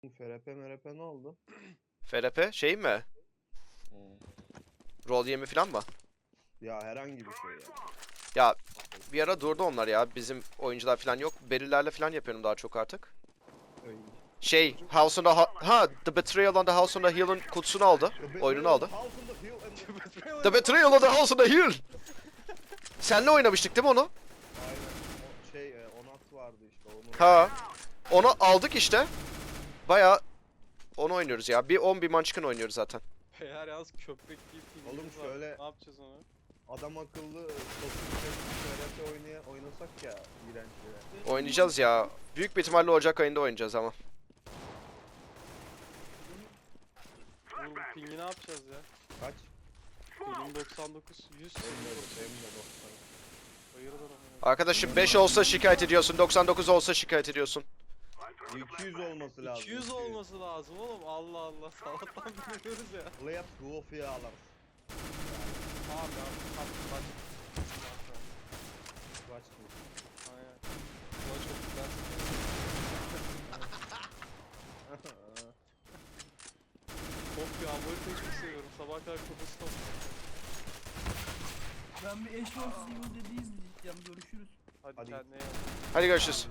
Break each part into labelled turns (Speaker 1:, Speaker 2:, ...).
Speaker 1: FRP MRP ne oldu?
Speaker 2: FRP şey mi? Rol yemi falan mı?
Speaker 1: Ya herhangi bir şey ya.
Speaker 2: Ya bir ara durdu onlar ya. Bizim oyuncular falan yok. Berillerle falan yapıyorum daha çok artık.
Speaker 1: Öyle.
Speaker 2: Şey, House on The Betrayal on the House on the Hill'ın kutusunu aldı. Oyununu aldı. The Betrayal on the House on the Hill! Senle oynamıştık değil mi onu?
Speaker 1: Aynen. O şey Onat vardı işte onu.
Speaker 2: Ha. Onu aldık işte. Baya onu oynuyoruz ya. Bir 10 bir Munchkin oynuyoruz zaten.
Speaker 3: Eğer yalnız köpek gibi filmimiz
Speaker 1: Oğlum
Speaker 3: var.
Speaker 1: şöyle-
Speaker 3: Ne yapacağız onu?
Speaker 1: Adam akıllı FRP oynasak ya iğrenç ya.
Speaker 2: Oynayacağız ya. Büyük bir ihtimalle Ocak ayında oynayacağız ama.
Speaker 3: Oğlum bu pingi ne yapacağız ya?
Speaker 1: Kaç?
Speaker 3: Pingin 99, 100.
Speaker 1: Benim de
Speaker 3: Hayırdır ama.
Speaker 2: Arkadaşım 5 olsa şikayet ediyorsun. 99 olsa şikayet ediyorsun.
Speaker 1: 200 olması lazım.
Speaker 3: 200 olması lazım oğlum. Allah Allah. Salaktan biliyoruz ya.
Speaker 1: Let's go fiyalar.
Speaker 3: Tamam ya. Kaç.
Speaker 1: Kaç mı?
Speaker 3: Aynen. Bu çok güzel. Top ya. Bu haritayı çok seviyorum. Sabah kadar kafası top.
Speaker 4: Ben bir eş olsun Evil Dead'i izleyeceğim. Görüşürüz.
Speaker 3: Hadi,
Speaker 1: Hadi.
Speaker 3: kendine iyi bak.
Speaker 2: Hadi görüşürüz.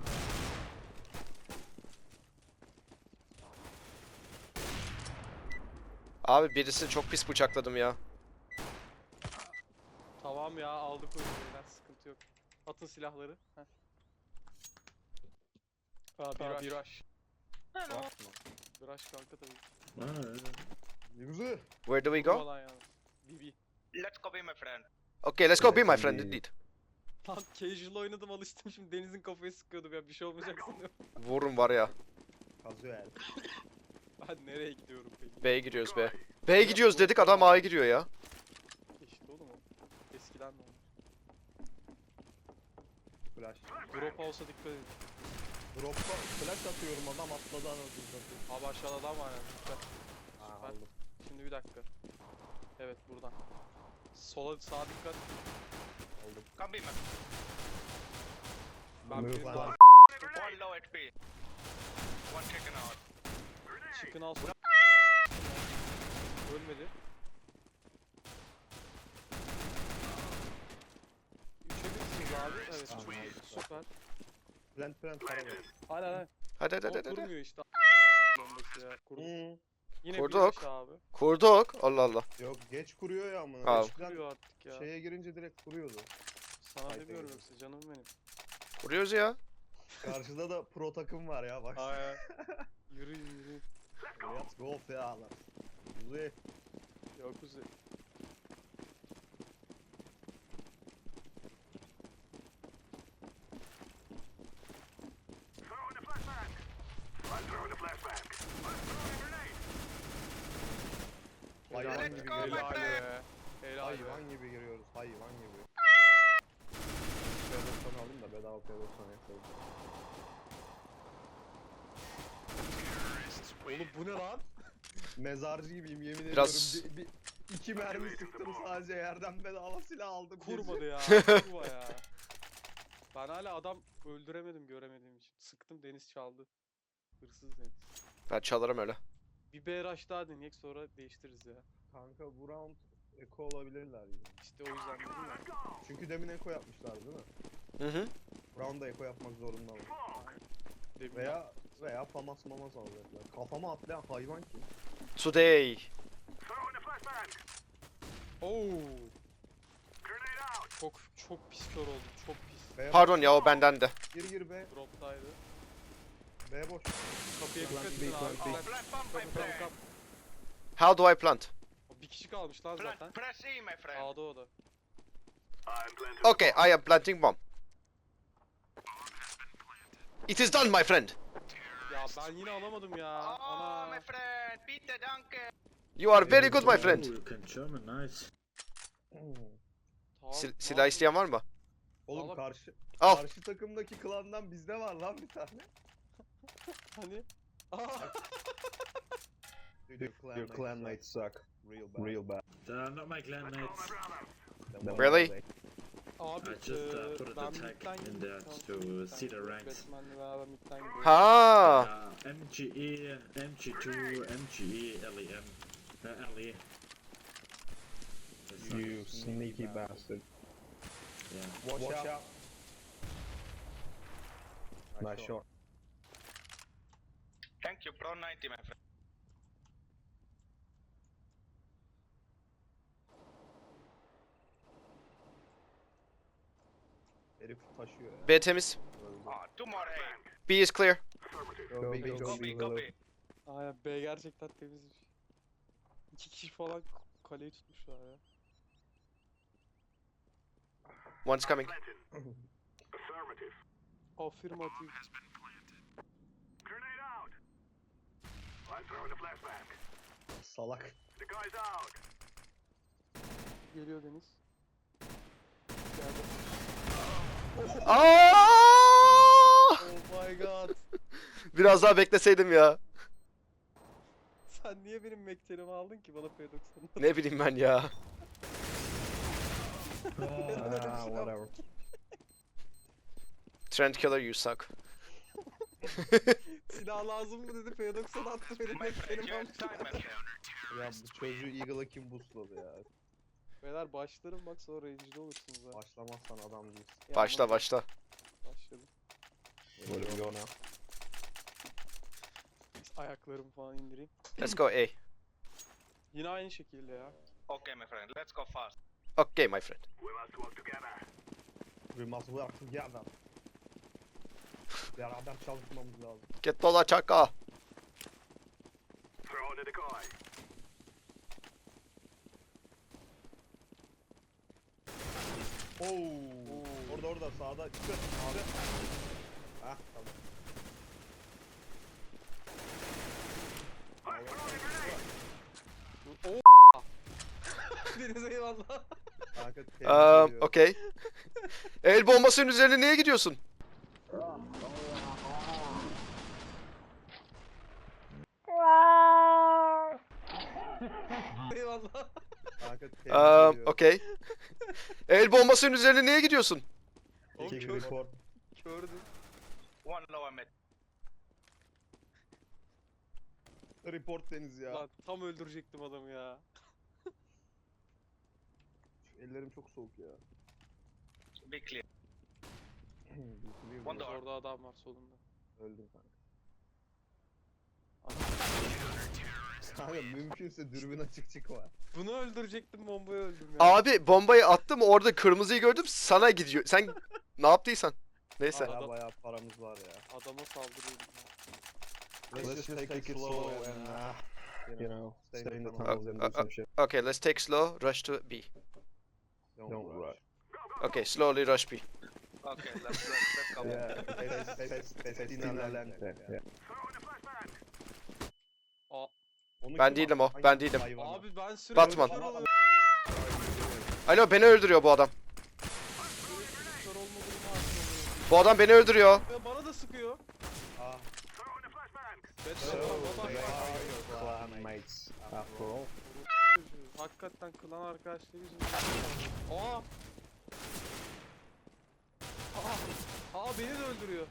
Speaker 2: Abi birisini çok pis bıçakladım ya.
Speaker 3: Tamam ya. Aldık oyunu beyler. Sıkıntı yok. Atın silahları. Heh. Bir rush.
Speaker 1: Bakma.
Speaker 3: Bir rush kanka tabii.
Speaker 1: Güzel.
Speaker 2: Where do we go?
Speaker 3: Durmadan yalnız. BB.
Speaker 5: Let's go be my friend.
Speaker 2: Okay, let's go be my friend indeed.
Speaker 3: Lan casual oynadım alıştım şimdi Deniz'in kafayı sıkıyordum ya bir şey olmayacak sanıyorum.
Speaker 2: Vururum var ya.
Speaker 1: Kazıyor
Speaker 3: Ben nereye gidiyorum peki?
Speaker 2: B'ye giriyoruz B. B'ye gidiyoruz dedik adam A'ya giriyor ya.
Speaker 3: İşte oğlum o. Eskiden de olmuş.
Speaker 1: Flash.
Speaker 3: Drop house'a dikkat edin.
Speaker 1: Drop'ta flash atıyorum adam atladı anasını satayım.
Speaker 3: Abi aşağıda adam var yani. Süper.
Speaker 1: Ha,
Speaker 3: Süper.
Speaker 1: aldım.
Speaker 3: Şimdi bir dakika. Evet buradan. Sola sağa dikkat.
Speaker 1: Aldım.
Speaker 5: Come be my
Speaker 3: Ben
Speaker 1: Move
Speaker 3: bir
Speaker 1: on.
Speaker 3: daha
Speaker 5: one low HP. One taken out.
Speaker 3: çıkın al. Ölmedi. 3'e 1'siniz abi. Evet.
Speaker 1: Tamam,
Speaker 3: çok iyi.
Speaker 1: aldım.
Speaker 3: Süper.
Speaker 1: Plant para ver.
Speaker 3: Aynen aynen.
Speaker 2: Hadi hadi
Speaker 3: O
Speaker 2: hadi hadi.
Speaker 3: kurmuyor işte. Bombası ya. Kurduk. Yine
Speaker 2: Kurduk.
Speaker 3: 1-5 abi.
Speaker 2: Kurduk. Allah Allah.
Speaker 1: Yok geç kuruyor ya amına.
Speaker 2: Al.
Speaker 1: Eskiden
Speaker 3: Kuruyor artık ya.
Speaker 1: şeye girince direkt kuruyordu.
Speaker 3: Sana
Speaker 1: Sayfa
Speaker 3: demiyorum
Speaker 1: gibi.
Speaker 3: yoksa canım benim.
Speaker 2: Kuruyoruz ya.
Speaker 1: Karşıda da pro takım var ya bak.
Speaker 3: Ay. Yürü yürü.
Speaker 1: Let's go fiyalar. Güzel.
Speaker 3: Yok kuzey.
Speaker 1: Hayvan
Speaker 3: Helal
Speaker 1: gibi
Speaker 3: be, helal
Speaker 1: giriyoruz.
Speaker 3: be. Helal be.
Speaker 1: Hayvan gibi giriyoruz. Hayvan gibi. P90 aldım da bedava P90 yapalım.
Speaker 3: Oğlum bu ne lan?
Speaker 1: Mezarcı gibiyim yemin
Speaker 2: Biraz-
Speaker 1: ediyorum. İki mermi sıktım sadece yerden bedava silah aldım.
Speaker 3: Kurmadı ya. Kurma ya. Ben hala adam öldüremedim göremediğim için. Sıktım Deniz çaldı. Hırsız Deniz.
Speaker 2: Ben çalarım öyle.
Speaker 3: Bir BRH daha deneyek sonra değiştiririz ya.
Speaker 1: Kanka bu round eko olabilirler gibi.
Speaker 3: İşte o yüzden dedim ya.
Speaker 1: Çünkü demin eko yapmışlar değil mi?
Speaker 2: Hı hı.
Speaker 1: Round'da eko yapmak zorundalar.
Speaker 3: Demin
Speaker 1: Veya famas mamas alacaklar. Kafama atlayan hayvan kim?
Speaker 2: Today.
Speaker 3: Oo. Çok pis kör oldum. Çok pis.
Speaker 1: B
Speaker 2: Pardon ya o benden de.
Speaker 1: Gir B.
Speaker 3: Droptaydı.
Speaker 1: B boş.
Speaker 3: Kapıya
Speaker 1: Plant
Speaker 3: dikkat
Speaker 1: B,
Speaker 3: edin abi.
Speaker 1: plant B.
Speaker 3: Plant,
Speaker 5: Plant bomb, my
Speaker 3: kapı, kapı,
Speaker 5: friend.
Speaker 3: kapı.
Speaker 2: How do I plant?
Speaker 3: O bir kişi kalmış lan zaten.
Speaker 5: Plant, press E, my friend.
Speaker 3: A'da o da.
Speaker 2: Okay, I am planting bomb. It is done my friend.
Speaker 3: Ya ben yine alamadım ya.
Speaker 5: Oh,
Speaker 3: Ana.
Speaker 5: my friend. Peter Duncan.
Speaker 2: You are very good my friend.
Speaker 6: Oh, you can German, nice.
Speaker 3: Tamam,
Speaker 2: Silah isteyen var mı?
Speaker 1: Oğlum
Speaker 3: Al.
Speaker 2: Al.
Speaker 1: karşı takımdaki klandan bizde var lan bir tane.
Speaker 3: Hani? Aa.
Speaker 1: Your clanmates suck. Real bad.
Speaker 6: They're not my clanmates.
Speaker 2: Really?
Speaker 3: Abi
Speaker 6: I just put a
Speaker 3: ben
Speaker 6: tag
Speaker 3: midden
Speaker 6: in
Speaker 3: girdim.
Speaker 6: there
Speaker 3: Tamam,
Speaker 6: to
Speaker 3: midden
Speaker 6: see the
Speaker 3: girdim.
Speaker 6: ranks.
Speaker 3: Batman'le beraber midden gidiyorum.
Speaker 2: Ha.
Speaker 6: MGE, MG2, MGE, LEM, LE. It's not-
Speaker 7: You sneaky bastard.
Speaker 6: Yeah.
Speaker 1: Watch out.
Speaker 7: Nice shot.
Speaker 5: Thank you, Pro 90, my friend.
Speaker 1: Herif taşıyor ya.
Speaker 2: B temiz.
Speaker 5: Ah, two more A.
Speaker 2: B is clear.
Speaker 1: Go big, go
Speaker 5: Copy,
Speaker 1: big.
Speaker 5: copy.
Speaker 3: Aynen B gerçekten temizmiş. 2 kişi falan kaleyi tutmuşlar ya.
Speaker 2: One's coming.
Speaker 3: Afirmatif.
Speaker 1: Salak.
Speaker 3: Geliyor Deniz. Geldi.
Speaker 2: Aa!
Speaker 3: Oh my god.
Speaker 2: Biraz daha bekleseydim ya.
Speaker 3: Sen niye benim mektelimi aldın ki bana P90'ı?
Speaker 2: Ne bileyim ben ya.
Speaker 7: Ah, whatever.
Speaker 2: Trend killer you suck.
Speaker 3: Silah lazım mı dedi P90 attı benim
Speaker 5: My friend,
Speaker 3: mektelimi
Speaker 5: you're
Speaker 3: aldı.
Speaker 5: time, my friend.
Speaker 1: Ya bu çocuğu Eagle'a kim boostladı ya?
Speaker 3: Beyler başlarım bak sonra range'de olursunuz ha.
Speaker 1: Başlamazsan adam değilsin.
Speaker 3: Ya
Speaker 2: Başla
Speaker 3: ama-
Speaker 2: başla.
Speaker 3: Başladım.
Speaker 7: Where do we go now?
Speaker 3: Ayaklarımı falan indireyim.
Speaker 2: Let's go A.
Speaker 3: Yine aynı şekilde ya.
Speaker 5: Okay, my friend, let's go fast.
Speaker 2: Okay my friend.
Speaker 1: We must work together. Beraber çalışmamız lazım.
Speaker 2: Get dola çaka.
Speaker 1: Oo. Orada sağda çıkıyor. Abi. Hah tamam.
Speaker 3: Oo. Deniz eyvallah.
Speaker 1: Kanka tebrik ediyorum.
Speaker 2: Okay. El bombasının üzerine niye gidiyorsun?
Speaker 3: Eyvallah.
Speaker 1: Kanka tebrik ediyorum.
Speaker 2: Okay. El bombasının üzerine niye gidiyorsun?
Speaker 3: Oğlum
Speaker 1: Kick
Speaker 3: kör,
Speaker 1: report.
Speaker 3: kördüm.
Speaker 5: One lower mid.
Speaker 1: Report Deniz ya.
Speaker 3: Lan tam öldürecektim adamı ya.
Speaker 1: Ellerim çok soğuk ya.
Speaker 5: Be clear.
Speaker 1: Biliyorum
Speaker 5: One
Speaker 1: ya.
Speaker 5: door.
Speaker 3: Orada adam var solunda.
Speaker 1: Öldüm kanka. Kanka mümkünse dürbün açık çıkma.
Speaker 3: Bunu öldürecektim bombayı öldüm ya.
Speaker 2: Abi bombayı attım orada kırmızıyı gördüm sana gidiyor. Sen ne yaptıysan. Neyse.
Speaker 3: Adam-
Speaker 1: Ya bayağı paramız var ya.
Speaker 3: Adama saldırıyordum ya.
Speaker 1: Let's just take it slow and
Speaker 7: You know, stay in the
Speaker 1: tunnel.
Speaker 7: tunnels and do some shit.
Speaker 2: Okay, let's take slow, rush to B.
Speaker 7: Don't rush.
Speaker 2: Okay, slowly rush B.
Speaker 5: Okay, let's go.
Speaker 7: Yeah. Yeah.
Speaker 3: Aa,
Speaker 2: Ben değilim o, ben değilim.
Speaker 3: abi ben sürekli
Speaker 2: Batman.
Speaker 3: kör oluyorum.
Speaker 2: Alo beni öldürüyor bu adam.
Speaker 3: Sürekli kör olma durumu aslında.
Speaker 2: Bu adam beni öldürüyor.
Speaker 3: Ve bana da sıkıyor.
Speaker 1: Ah.
Speaker 3: Batman baba.
Speaker 7: They are your clanmates after all.
Speaker 3: Hakikaten klan arkadaşları yüzünden. Aa! Aa beni de öldürüyor.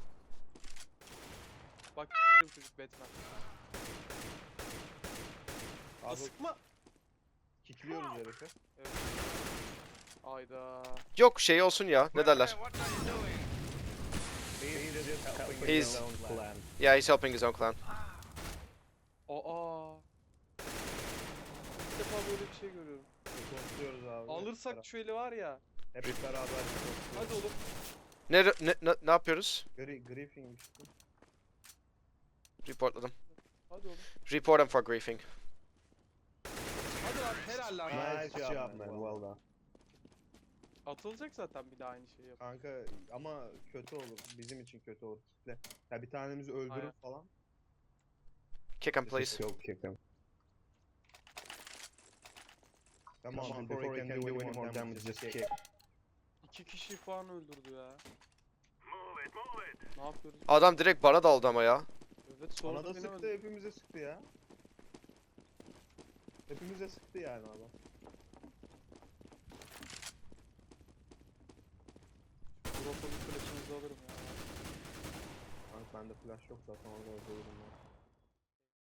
Speaker 3: Bak çocuk Batman. Aa,
Speaker 1: Abi
Speaker 3: sıkma.
Speaker 1: kickliyoruz herifi.
Speaker 3: Evet. Ayda.
Speaker 2: Yok şey olsun ya ne derler.
Speaker 5: What are you doing?
Speaker 7: He's just helping
Speaker 2: He's-
Speaker 7: his own clan.
Speaker 2: Yeah, he's helping his own clan.
Speaker 3: Aa. İlk defa böyle bir şey görüyorum.
Speaker 1: Kontrolüyoruz abi.
Speaker 3: Alırsak şu eli var ya.
Speaker 1: Hep beraber kontrolüyoruz.
Speaker 3: Hadi oğlum.
Speaker 2: Ne yapıyoruz?
Speaker 1: Griefing işte.
Speaker 2: Reportladım.
Speaker 3: Hadi oğlum.
Speaker 2: Report him for griefing.
Speaker 3: Hadi lan helal lan.
Speaker 1: Nice job man, well done.
Speaker 3: Atılacak zaten bir daha aynı şeyi yap.
Speaker 1: Kanka ama kötü olur. Bizim için kötü olur. Kitle. Ya bir tanemizi öldürür
Speaker 3: Aynen.
Speaker 1: falan.
Speaker 2: Kick him
Speaker 7: Just
Speaker 2: please.
Speaker 7: go kick them.
Speaker 1: Come
Speaker 7: Come on, before he can do any more damage, just kick.
Speaker 3: 2 kişi falan öldürdü ya. Ne yapıyoruz?
Speaker 2: Adam direkt bana daldı ama ya.
Speaker 3: Evet sonra
Speaker 1: Ona da
Speaker 3: beni
Speaker 1: sıktı,
Speaker 3: öldürdü.
Speaker 1: hepimize sıktı ya. Hepimize sıktı yani adam.
Speaker 3: Drop'a bir flash'ınızı alırım ya.
Speaker 1: Kanka bende flash yok zaten orada öldürürüm ben.